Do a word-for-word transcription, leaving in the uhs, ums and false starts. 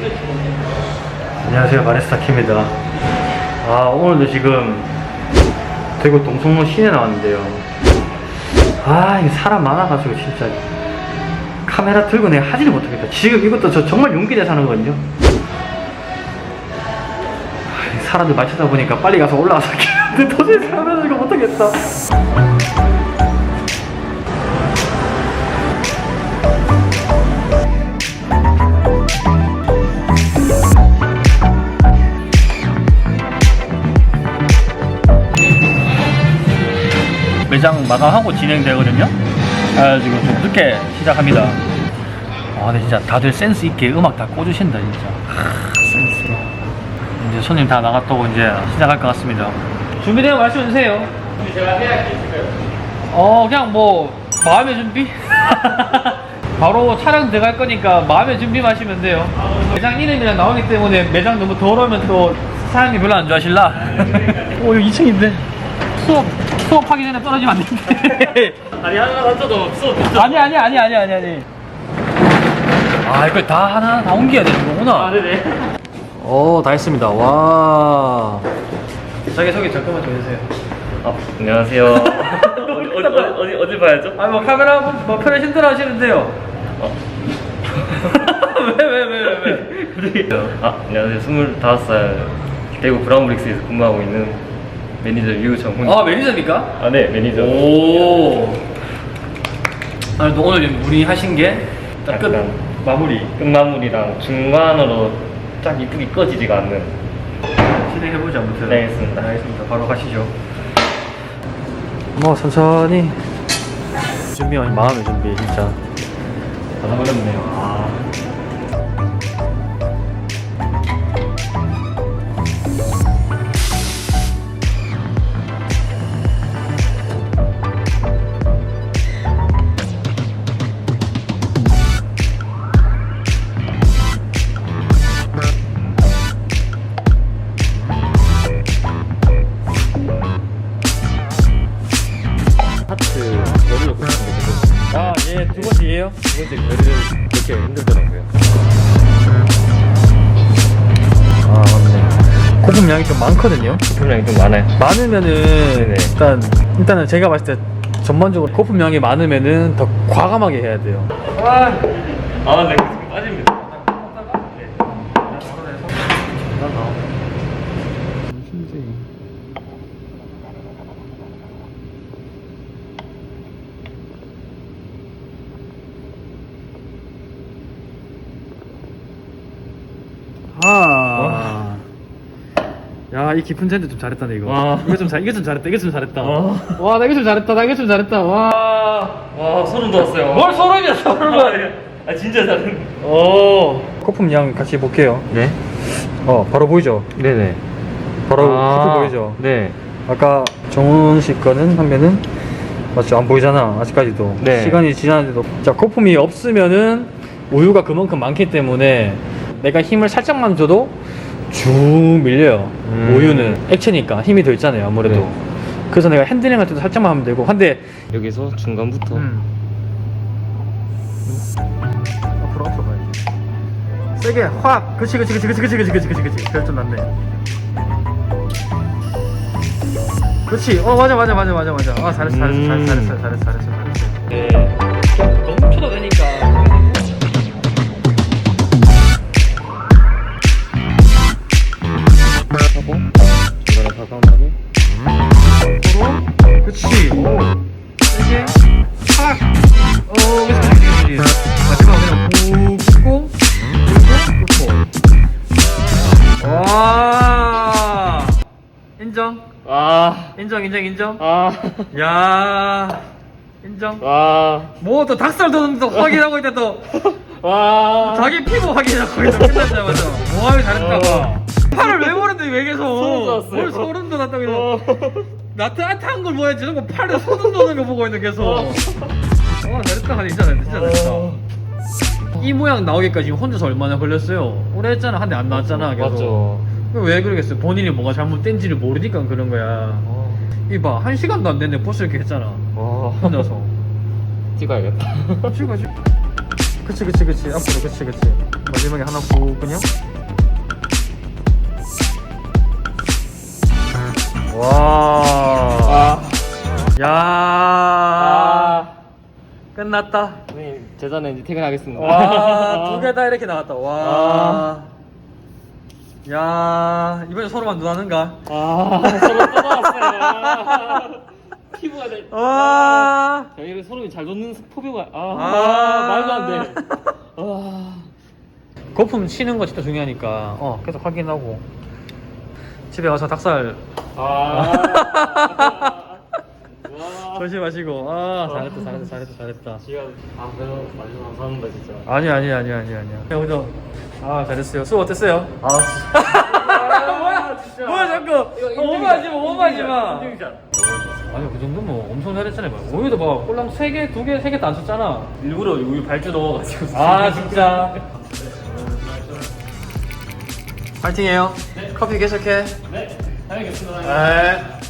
안녕하세요, 바리스타 킴입니다. 아, 오늘도 지금 대구 동성로 시내 나왔는데요. 아, 이게 사람 많아가지고 진짜 카메라 들고 내가 하지를 못하겠다. 지금 이것도 저 정말 용기 내서 하는 거거든요. 아, 사람들 많이 찾아보니까 빨리 가서 올라가서 근데 도저히 사람을 이거 못하겠다. 매장 마감하고 진행되거든요. 그래가지고 좀 늦게 시작합니다. 아, 근데 진짜 다들 센스 있게 음악 다 꽂으신다 진짜. 아, 센스. 이제 손님 다 나갔다고 이제 시작할 것 같습니다. 준비되면 말씀해 주세요. 제가 해야 할 게 있을까요? 어, 그냥 뭐 마음의 준비? 바로 촬영 들어갈 거니까 마음의 준비만 하시면 돼요. 매장 이름이랑 나오기 때문에 매장 너무 더러우면 또 사장님 별로 안 좋아하실라. 오, 여기 이 층인데 수업 수업하기 전에 떨어지면 안 되는데. 아니 하나 던져도 수업 아니 아니 아니 아니 아니 아니. 아, 이걸 다 하나 다 옮겨야 되는 거구나. 아 네네. 오, 다 했습니다. 와. 자기 소개 잠깐만 좀 해주세요. 아 안녕하세요. 어디 어디 어디 어디 봐야죠? 아, 뭐 카메라 뭐 편히 힘들어 하시는데요. 어. 왜 왜 왜 왜 왜? 아 안녕하세요. 스물다섯 살 대구 브라운브릭스에서 근무하고 있는 매니저 유정훈. 아, 매니저입니까? 아 네 매니저. 오. 아니, 또 오늘 무리하신 게 딱 끝 약간 마무리. 끝마무리랑 중간으로 딱 이쁘게 꺼지지가 않는. 진행해보자, 아무튼. 네, 알겠습니다. 알겠습니다. 바로 가시죠. 뭐, 천천히. 준비, 마음의 준비, 진짜. 다 어렵네요. 아. 하트 열을 넣고 싶은데 아, 예, 두 번째예요? 두 번째 열을 이렇게 힘들더라고요. 아, 맞네. 고품량이 좀 많거든요. 소품량이 좀 많아요. 많으면은, 네네. 일단, 일단은 제가 봤을 때 전반적으로 고품량이 많으면은 더 과감하게 해야 돼요. 아, 아, 네, 지금 빠집니다. 네. 아. 야, 이 깊은 젠데 좀 잘했다, 네, 이거. 와. 이거 좀 잘, 이거 좀 잘했다, 이거 좀 잘했다. 와. 와, 나 이거 좀 잘했다, 나 이거 좀 잘했다. 와. 와, 소름 돋았어요. 뭘 소름이야, 소름을. 아, 진짜 다른. 오. 거품 양 같이 볼게요. 네? 어, 바로 보이죠? 네네. 바로 아, 커플 보이죠? 네. 아까 정훈 씨 거는 하면은 맞죠? 안 보이잖아, 아직까지도. 네. 시간이 지났는데도. 자, 거품이 없으면은 우유가 그만큼 많기 때문에 내가 힘을 살짝만 줘도 쭉 밀려요. 음. 우유는 액체니까 힘이 더 있잖아요, 아무래도. 네. 그래서 내가 핸들링 할 때도 살짝만 하면 되고. 한데 여기서 중간부터. 음. 앞으로 앞으로 가야지. 세게 확. 그치 그치 그치 그치 그치 그치 그치 그치 그치. 그래 좀 낫네. 그렇지. 어, 맞아 맞아 맞아 맞아 맞아. 아, 잘했어 잘했어 음. 잘했어 잘했어 잘했어 잘했어. 네. 그냥 멈춰도 되니까. 하고 중간에 과감하게. 앞으로. 그렇지. 오. 세게 확. 어, 그렇지 그렇지 그렇지. 마지막 그냥 붓고 붓고 붓고. 와. 인정. 아. 인정 인정 인정. 아. 야. 인정. 와. 뭐 또 닭살 돋는다 확인하고 있다 또. 와. 자기 피부 확인하고 있다. 끝났자마자. 모함이 잘했다고. 어. 팔을 왜 보는데 왜 계속. 소름 돋았어요. 뭘 소름 돋았다고 이러. 어. 나타나타한 걸 보여야지. 저런 거 팔에 소름 돋는 거 보고 있는 계속. 어, 잘했다 하니 진짜 잘했다. 진짜 잘했다. 이 모양 나오기까지 혼자서 얼마나 걸렸어요? 오래 했잖아. 한 대 안 나왔잖아. 계속. 맞죠. 왜 그러겠어요? 본인이 뭐가 잘못된지를 모르니까 그런 거야. 어. 이봐, 한 시간도 안 됐는데 벌써 이렇게 했잖아. 와. 혼자서. 찍어야겠다. 지금 가지. 그치 그치 그치 앞으로 그치 그치 마지막에 하나 후 그냥 와. 야. 아. 끝났다. 네, 제자는 이제 퇴근하겠습니다. 와, 두 개 다 이렇게 나왔다. 와. 아. 야, 이번에 서로만 누나는가? 아, 서로 또 나왔어요. 피부가 돼. 와. 저희를 서로 잘 놓는 포뷰가. 아, 아. 말도 안 돼. 아. 거품 치는 거 진짜 중요하니까, 어, 계속 확인하고. 집에 가서 닭살 아. 와. 조심하시고. 아, 잘했다, 잘했다, 잘했다, 잘했다. 지가 아, 내가 많이 감사합니다 진짜. 아니, 아니, 아니, 아니, 아니야. 그죠? 아, 잘했어요. 수업 어땠어요? 아, 진짜. 뭐야, 진짜. 뭐야, 자꾸. 이거 오버하지 마, 오버하지 마. 인증샷. 아니, 그 정도면 엄청 잘했잖아요. 우유도 봐. 꼴랑 세 개, 두 개, 세 개 다 안 썼잖아. 일부러 우유 발주 넣어가지고. 아, 진짜. 파이팅해요. 커피 계속해. 네, 알겠습니다. 네.